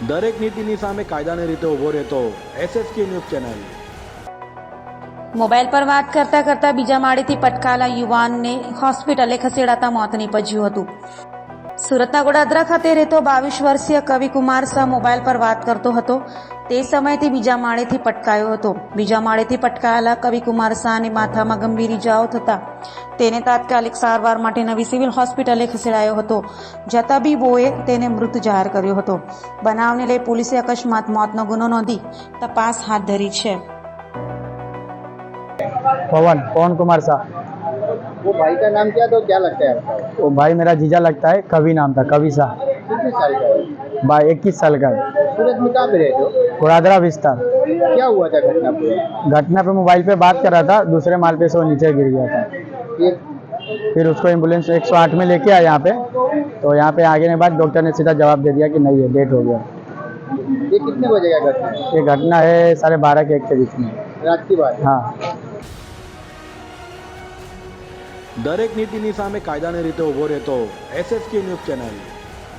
દરેક નીતિની સામે કાયદાની રીતે ઊભો રહેતો SSK ન્યૂઝ ચેનલ। મોબાઈલ પર વાત કરતા કરતા બીજા માળેથી પટકાયેલા યુવાનને હોસ્પિટલે ખસેડાતા મોત નીપજ્યું હતું। સુરતના ગોડાદરા ખાતે રહેતો 22 વર્ષીય કવિકુમાર શાહ મોબાઈલ પર વાત કરતો હતો। તે સમયથી બીજા માળેથી પટકાયો હતો। બીજા માળેથી પટકાયેલા કવિકુમાર શાહને માથામાં ગંભીર ઇજાઓ થતા તેને તાત્કાલિક સારવાર માટે નવી સિવિલ હોસ્પિટલે ખસેડાયો હતો, જ્યાં તબીબોએ તેને મૃત જાહેર કર્યો હતો। બનાવને લઈ પોલીસે અકસ્માત મોતનો ગુનો નોંધી તપાસ હાથ ધરી છે। पवन कुमार शाह। वो भाई का नाम क्या, तो क्या लगता है आपका? वो भाई मेरा जीजा लगता है, कवि नाम था, कवि शाह। कितने साल का है? भाई 21 साल का है। सूरत में कहाँ पे रहते हो? गोड़ादरा विस्तार। क्या हुआ था घटना पे? घटना पे मोबाइल पे बात कर रहा था, दूसरे माल पे से वो नीचे गिर गया था। ये फिर उसको एम्बुलेंस 108 में लेके आया यहाँ पे, तो यहाँ पे आगे के बाद डॉक्टर ने सीधा जवाब दे दिया कि नहीं है, डेट हो गया। ये कितने बजे का घटना है? ये घटना है 12:30 के 1 के बीच में। रात की बात है। हाँ। દરેક નીતિની સામે કાયદાની રીતે ઊભો રહેતો SSK ન્યૂઝ ચેનલ।